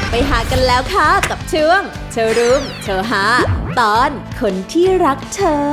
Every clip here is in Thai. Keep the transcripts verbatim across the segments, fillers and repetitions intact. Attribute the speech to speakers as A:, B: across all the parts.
A: ไปหากันแล้วค่ะกับช่วงโชว์รูมโชว์หาตอนคนที่รักเธอ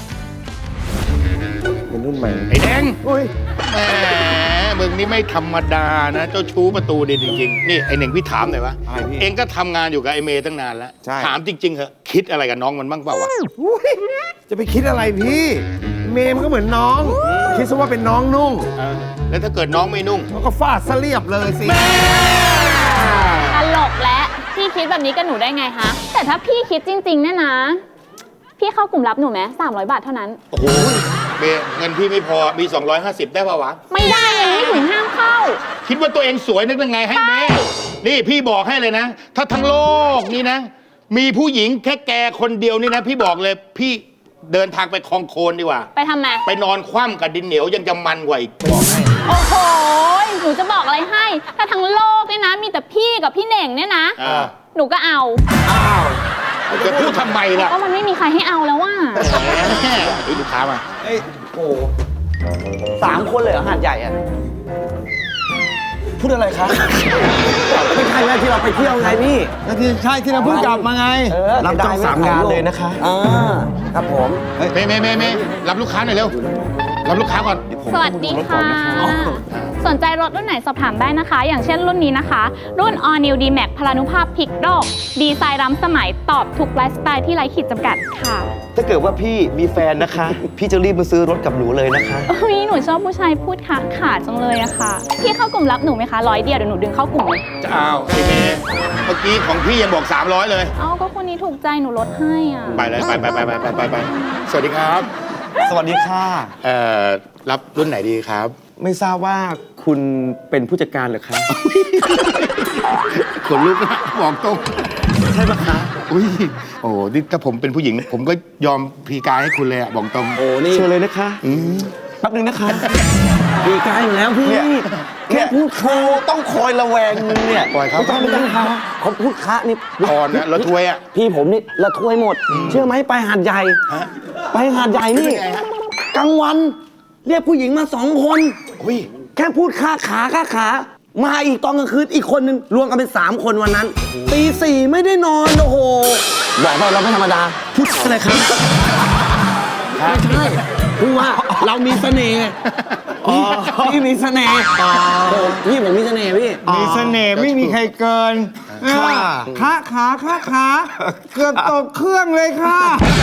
B: เป็นรุ่นใหม่
C: ไอ้แดง
B: อุ้ย
C: แหมมึงนี่ไม่ธรรมดานะเจ้าชู้ประตูเด่นจริงๆนี่ไอ้หนึ่งพี่ถามหน่อยวะเองก็ทำงานอยู่กับไอ้เมย์ตั้งนานแล้วถามจริงๆเหอะคิดอะไรกับน้องมันบ้างเปล่าวะ
B: จะไปคิดอะไรพี่เมย์มันก็เหมือนน้องคิดซะว่าเป็นน้องนุ่ง
C: แล้วถ้าเกิดน้องไม่นุ่ง
B: ก็ฟาดซะเรียบเลยสิ
D: ตลกและพี่คิดแบบนี้กับหนูได้ไงคะแต่ถ้าพี่คิดจริงๆเนี่ยนะพี่เข้ากลุ่มรับหนูไหมสามร้อยบาทเท่านั้น
C: โอ้โหเมย์เงินพี่ไม่พอมีสองร้อยห้าสิบได้ป่าวะ
D: ไม่ได้เลยไม่ถึงห้ามเข้า
C: คิดว่าตัวเองสวยนึกยังไงให้เมย์นี่พี่บอกให้เลยนะถ้าทั้งโลกนี่นะมีผู้หญิงแค่แกคนเดียวนี่นะพี่บอกเลยพี่เดินทางไปคลองโคลนดีกว่า
D: ไปทำไม
C: ไปนอนคว่ำกับดินเหนียวยังจะมันกว่าอีกบอกให้
D: โอ้โหหนูจะบอกอะไรให้ถ้าทั้งโลกเนี่ยนะมีแต่พี่กับพี่เหน่งเนี่ยนะหนูก็เอา
C: อ้าวจะพูดทำไมล่ะ
D: ก็มันไม่มีใครให้เอาแล้วว่า
C: แหมลูกค้ามา
E: เอ้ยโอ้สามคนเลยเหรอหาดใหญ่อะพูดอะไรคะไม่ใช่แม่ที่เราไปเที่ยวไงพี่
B: ก็ที่ใช่ที่เราเพิ่งกลับมาไง
E: รับจองสามงานเลยนะคะอ่าครับผม
C: เมย์เมย์เมย์เมย์รับลูกค้าหน่อยเร็วรับลูกค้าก่อน
D: สวัสดีค่ะสนใจรถรุ่นไหนสอบถามได้นะคะอย่างเช่นรุ่นนี้นะคะรุ่น All New D-Max พลานุภาพพลิกโลกดีไซน์ล้ำสมัยตอบทุกไลฟ์สไตล์ที่ไร้ขีดจำกัดค่ะ
E: ถ้าเกิดว่าพี่มีแฟนนะคะพี่จะรีบมาซื้อรถกับหนูเลยนะคะ
D: อุ้ยหนูชอบผู้ชายพูดขาขาจังเลยอะค่ะพี่เข้ากลุ่มรับหนูไหมคะร้อยเดียวเดี๋ยวหนูดึงเข้ากลุ่มเลย
C: จะเอาไอ้เมย์เมื่อกี้ของพี่ยังบอกสามร้อยเลย
D: เอ้าก็คนนี้ถูกใจหนูลดให้อ่ะ
C: ไปเลยไปไปไปไปไปไปสวัสดีครับ
E: สวัสดีค่ะ
C: เอ่อรับรุ่นไหนดีครับ
E: ไม่ทราบว่าคุณเป็นผู้จัดการหรือคะ
C: ขนลุกนะบอกตรง
E: ใช่ไหมคะ
C: อุ้ยโอ้นี่ถ้าผมเป็นผู้หญิงผมก็ยอมพีกายให้คุณเลยอะบอกตรง
E: โอ้นี่เชิญเลยนะคะแป๊บนึงนะคะพีกายอยู่แล้วพี่แค่พูดครูต้องคอยระแวงมึงเนี่ย
C: ปล่อยเขา
E: ไม่ต้องเขาเขาพูดคะนี่
C: อ่อนนะละถ้วยอะ
E: พี่ผมนี่ละถ้วยหมดเชื่อไหมไปหาดใหญ่ไปหาดใหญ่นี่กลางวันเรียกผู้หญิงมาสองคนแค่พูดค่าขาค่าขามาอีกตอนกลางคืนอีกคนนึงรวมกันเป็นสามคนวันนั้นตีสี่ไม่ได้นอนโอ้โหบอกว่าเราไม่ธรรมดาพูดอะไรครับไม่ใช่พูดว่าเรามีเสน่ห์พี่มีเสน่ห์พี่ผมมีเสน่ห์พี่
B: มีเสน่ห์ไม่มีใครเกินขาขาขาขาเกือบตกเครื่องเลยค่ะ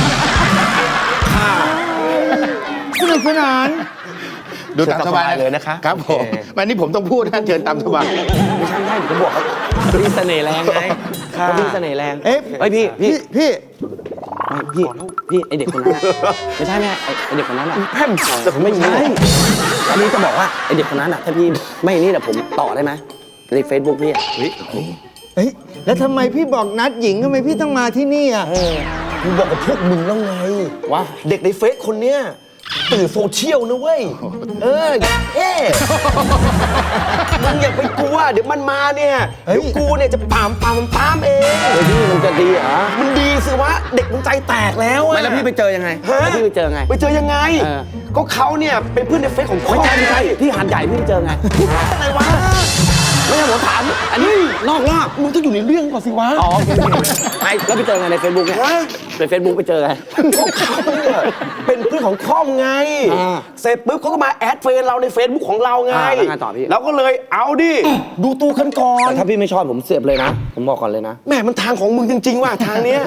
B: สนุกสนาน
C: ดูตามสบาย
E: เลยนะคะ
C: ครับผมวันนี้ผมต้องพูดนะเชิญตามสบาย
E: ไม่ใช่ไม่ใช่ผมบอกเขาพี่เสน่ห์แรงไงเขาพี่เสน่ห์แรงเอ๊ะไอพี่พี่
B: พี่
E: พี่พี่ไอเด็กคนนั้นไม่ใช่แม่ไอเด็กคนนั้นอ่ะแพมแต่ผมไม่ใช่อันนี้จะบอกว่าไอเด็กคนนั้นอ่ะถ้าพี่ไม่นี่แต่ผมต่อได้ไหมในเฟซบุ๊กพี่
B: เฮ้ยเฮ้ยแล้วทำไมพี่บอกนัดหญิงทำไมพี่ต้องมาที่นี่อ่ะ
E: กูบอกกับพวกมึงแล้วไงว่าเด็กในเฟซคนเนี้ยตื่นโซเชียลนะเว้ยเออเอ๊มึงอย่าไปกลัวเดี๋ยวมันมาเนี่ยเดี๋ยวกูเนี่ยจะปามปามปามเองเฮ้ยพี่มันจะดีเหรอมันดีสิวะเด็กมันใจแตกแล้วอะแล้วพี่ไปเจอยังไงแล้วพี่ไปเจอไงไปเจอยังไงก็เขาเนี่ยเป็นเพื่อนในเฟซของพ่อไม่ใช่ไม่ใช่ที่หาดใหญ่พี่ไปเจอไงอะไรวะไม่ใช่ผมถามอันนี้นอกรอบมึงต้องอยู่ในเรื่องก่อนสิวะอ๋อไปแล้วไปเจอไงในเฟซบุ๊กเนี่ยในเฟซบุ๊กไปเจอไงพวกเขาเนี่ยเป็นเพื่อนของพ่อไงเสร็จปุ๊บเขาก็มาแอดเฟซเราในเฟซบุ๊กของเราไงแล้วไงต่อพี่เราก็เลยเอาดิดูตัวกันก่อนแต่ถ้าพี่ไม่ชอบผมเสียบเลยนะผมบอกก่อนเลยนะแม่มันทางของมึงจริงๆว่ะทางเนี้ย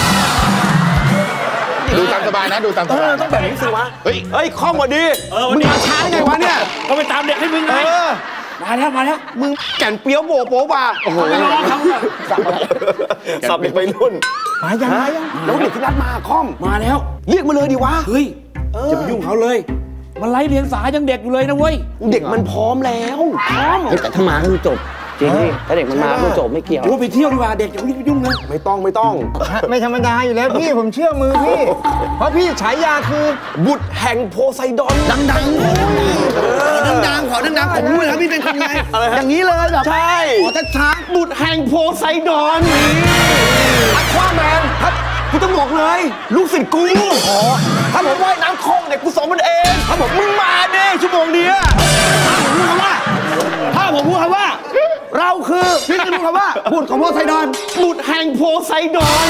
C: ดูตามสบายนะดูตามสบาย
E: ต้องแบบนี้สิวะเฮ้ยเฮ้ยข้อมูลดีมึงมาช้าไงวะเนี่ย
C: ก็ไปตามเด็กให้มึงไง
E: มาแล้วมาแล้วมึงแก่นเปี้ยวโบโป๊บ่าโอ้โหไม่รอเขาสับอะไรสับเด็กไปรุ่น
B: มายังมายัง
E: แล้วเด็กที่นัดมาคอมมาแล้วเรียกมาเลยดิวะ
F: เฮ้ยจะไปยุ่งเขาเลยมันไร้เรียงสายังเด็กอยู่เลยนะเว้ย
E: เด็กมันพร้อมแล้วพร้อมแต่ถ้ามาก็คือจบจริงดิถ้าเด็กมันมาก็จบไม่เกี่ยว
F: กูไปเที่ยวดีกว่าเด็กอย่าไปยุ่งนะ
E: ไม่ต้องไม่ต้อง
B: ไม่ธรรมดาอยู่แล้วพี่ผมเชื่อมือพี่เพราะพี่ฉายาคือ
E: บุตรแห่งโพไซดอน
B: ดังๆ
E: ดังๆขอดังๆผมรู้แล้วพี่เป็นคนไงอย่างนี้เลยแบบใช่ขอช้าๆบุตรแห่งโพไซดอนนี่อัควาแมนครับกูต้องบอกเลยลูกศิษย์กูถ้าผมว่ายน้ำคล่องเนี่ยกูสอนมันเองถ้าผมมึงมาเด้ชั่วโมงเดียวถ้าผมพูดคำว่าถ้าผมพูดคำว่าเราคือพี่จะรู้คำว่าบุตรของโพไซดอนบุตรแห่งโพไซดอน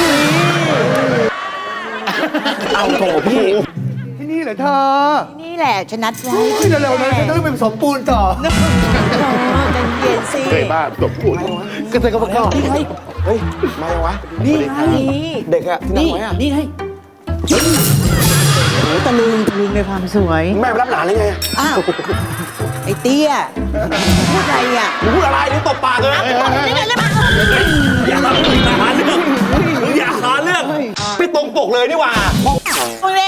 E: เอาโถพี่
B: ที่นี่เหรอเธอ
G: นี่แหละฉันนัดไว้
B: เฮ้ยเร็วๆนะฉันต้องไปผสมปูนต่อ
G: ใจเย็นสิ
C: เคยบ้าตบพูด
B: ก็เธอก็บอกว่า
E: เฮ้ยมายังวะ
G: นี่ไง
E: เด็กอะที่นั่งไว้อะ
G: นี่ไงโอ้ตะลึงตะลึงในความสวย
E: แม่ไปรับหลานเลยไง
G: อ้าว ไอ้เตี้ยพูดอะไรอ่ะ
E: มึงพูดอะไรนี่ตบปากเลย อย่าหาเรื่องอย่าหาเรื่องไม่ตรงปกเลยนี่หว่า
G: มึงเล่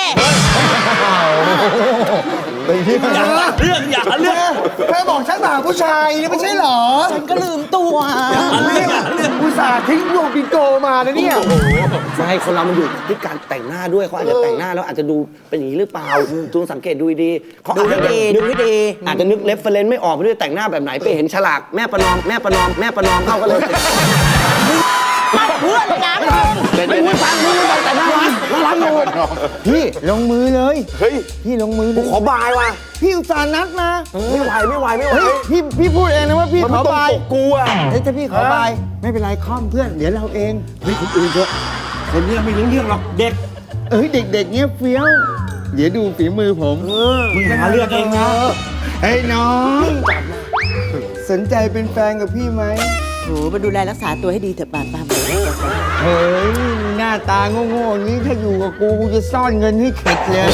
E: อย่าหาเรื่องอย่าหาเรื่อง
B: เธอบอกฉันมาหาผู้ชายนี่ไม่ใช่เหรอ
G: ฉันก็ลืมตัว
B: อุตส่าห์ทิ้งวงปิงโกมานะเนี่ย
E: ไม่ให้คนเรามันอยู่ที่การแต่งหน้าด้วยเขาอาจจะแต่งหน้าแล้วอาจจะดูเป็นอย่างนี้หรือเปล่าจูงสังเกตดูดีๆเขา
G: ดู
E: อาจจะ
G: ให้ดีดูให้ดี
E: อาจจะนึกเรฟเฟรนซ์ไม่ออกไปด้วยแต่งหน้าแบบไหนไปเห็นฉลากแม่ประนอมแม่ประนอมแม่ประนอมเข้ากันเลย
G: เพื่อนนะ
E: ไม่พูดฟังมึงไม่แต่งหน้ารักน่ารักอยู่
B: พี่ลงมือเลย
E: เฮ้ย
B: พี่ลงมือเล
E: กู
B: ย
E: ขอบายว่ะ
B: พี่อุตส่าห์นัดมา
E: ไม่ไหวไม่ไหวไม่ไหว
B: เฮ้ยพี่พี่พูดเองนะว่าพี่
E: มัน
B: ข
E: ไม่
B: อ
E: ตรง
B: บาย
E: ปกกูอ่ะ
B: เฮ้ยถ้าพี่ขอบายไม่เป็นไรค่อมเพื่อนเดี๋ยวเราเอง
F: เฮ้ยคนอื่นเถอะคนเนี้ยไม่รู้เรื่องหรอกเด็ก
B: เอ้ยเด็กๆเงี้ยเฟี้ยว เดี๋ยวดูฝีมือผม
F: มึงหาเรื่องเองนะ
B: เฮ้ยน้อง สนใจเป็นแฟนกับพี่ไหม
G: โหมาดูแลรักษาตัวให้ดีเถอะป่าป้าบอก
B: เฮ้ยหน้าตาโง่ๆอย่างนี้ถ้าอยู่กับกูกูจะซ่อนเงินให้เข็ดเลย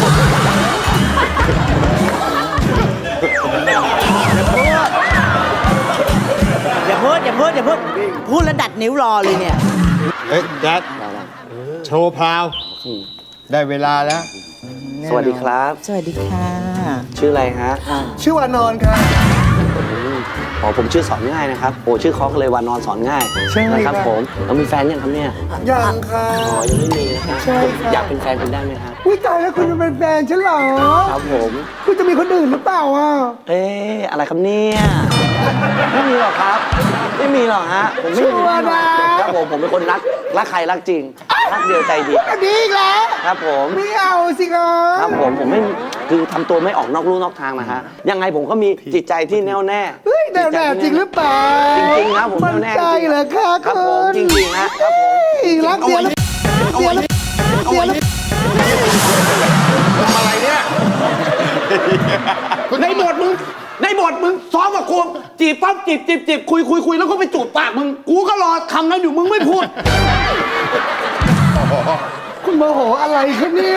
G: อย่าพูดอย่าพูดอย่าพูดพูดแล้วดัดนิ้วรอเลยเนี่ย
B: เฮ้ยแจ๊ดโชว์พราว ได้เวลาแล้ว
E: สวัสดีครับ
G: สวัสดีค่ะ
E: ชื่ออะไรฮะ
B: ชื่อวานอนค่ะ
E: อ๋อผมชื่อสอนง่ายนะครับโอ้ชื่อคอกเลยวานอนสอนง่าย
B: ใช่
E: นะครับ
B: ครับ
E: ผมแล้วมีแฟนยังครับเนี่ย
B: ยังค่ะ
E: อ๋อยังไม่มีนะครับ
B: ใช่ครับ
E: อยากเป็นแฟนคุณได้ไหมครับ
B: อุ้ยตายแล้วคุณจะเป็นแฟนฉันเหรอ
E: ครับผม
B: คุณจะมีคนอื่นหรือเปล่าอ่ะ
E: เอ๊ะอะไรครับเนี่ยไม่มีหรอกครับ ไม่มีหรอกฮะผมไม่มี
B: ชัวร์นะ
E: ครับผมผมเป็นคนรักรักใครรักจริงรักเดียวใจเดียว
B: อันนี้อีกแล้ว
E: ครับผม
B: ไม่เอาสิครั
E: ครับ บผมผมไม่คือทำตัวไม่ออกนอกลู่นอกทางนะฮะยังไงผมก็มีจิตใจที่แน่วแน่
B: เฮ้ยแน่วแน่จริงหรือเปล่า
E: จริงๆนะผม
B: มัน
E: แน่วแน่
B: ใจ
E: จริงๆ
B: เหรอคะ
E: ครับ
B: คุ
E: ผม
B: ณ
E: จริงๆนะครับผม
B: เฮ้ยรักเดียวแล้วเดียวแล้วเดียวแล้ว
E: อะไรเนี่ยในบทมึงในบทมึงซ้อมกับกูจีบปั๊บจีบจีบจีบคุยคุยคุยแล้วก็ไปจูบปากมึงกูก็รอคำนั้นอยู่มึงไม่พูด
B: คุณโมโหอะไรคะเนี่ย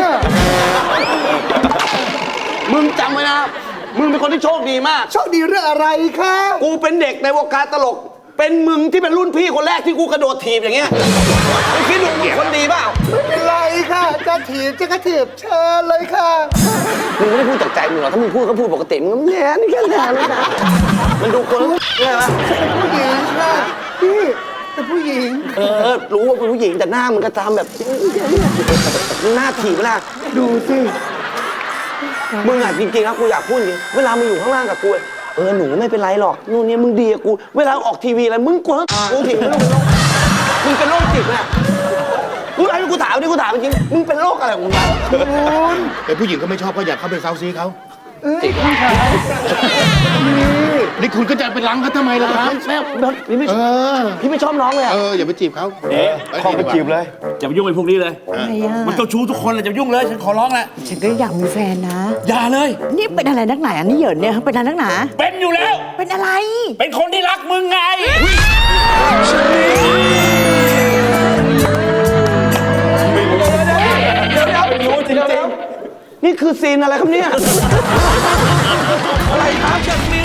E: มึงจำไว้นะมึงเป็นคนที่โชคดีมาก
B: โชคดีเรื่องอะไรคะ
E: กูเป็นเด็กในวงการตลก เป็นมึงที่เป็นรุ่นพี่คนแรกที่กูกระโดดถีบอย่างเงี้ยมึงคิดดูมึงคนดีเปล่า
B: ไม่เป็นไรค่ะจะถีบจะกระถีบเชิญเลยค่ะ
E: มึงไม่ได้พูดจากใจมึงหรอกถ้ามึงพูดก็พูดปกติมึงก็แย่นี่แค่แย่เลยนะมันดูคนใช่ไหม
B: ผู้หญิงค่ะพี่แต่ผู้หญิง
E: เออรู้ว่าเป็นผู้หญิงแต่หน้ามึงก็ทำแบบมึงหน้าถีบหน้า
B: ดูสิ
E: มึงอ่ะจริงๆนะกูอยากพูดจริงเวลามึงอยู่ข้างล่างกับกูเออหนูไม่เป็นไรหรอกนู่นนี่มึงดีกับกูเวลาออกทีวีอะไรมึงกลัวกูผิดมึงมึงเป็นโรคจิตน่ะกูไอ้กูถามดิกูถามจริงมึงเป็นโรคอะไรของมึง
C: แต่ผู้หญิงก็ไม่ชอบก็อยากเข้าไปเซาซีเขา
E: จิต
C: นี่คุณก็จะไปล้างเขาทำไมล่ะครับ
E: แม่พี่ไม่
C: เออ
E: พี่ไม่ชอบน้องเลยอ่ะ
C: เอออย่าไปจีบเขา
F: เอ๊ะ
C: ข้องไปจีบเลย
F: อย่าไปยุ่งไอ้พวกนี้เลย
G: อะไรอ่ะ
F: มันเจ้าชู้ทุกคนเลยอย่าไปยุ่งเลย ฉันขอร้องแหละ
G: ฉันก็อยากมีแฟนนะ
F: อย่าเลย
G: นี่เป็นอะไรนักหนาอันนี้เหยินเนี่ยเป็นอะไรนักหนา
F: เป็นอยู่แล้ว
G: เป็นอะไร
F: เป็นคนที่รักมึงไง
E: รู้จริงๆนี่คือซีนอะไรครับเนี่ย อะไรครับ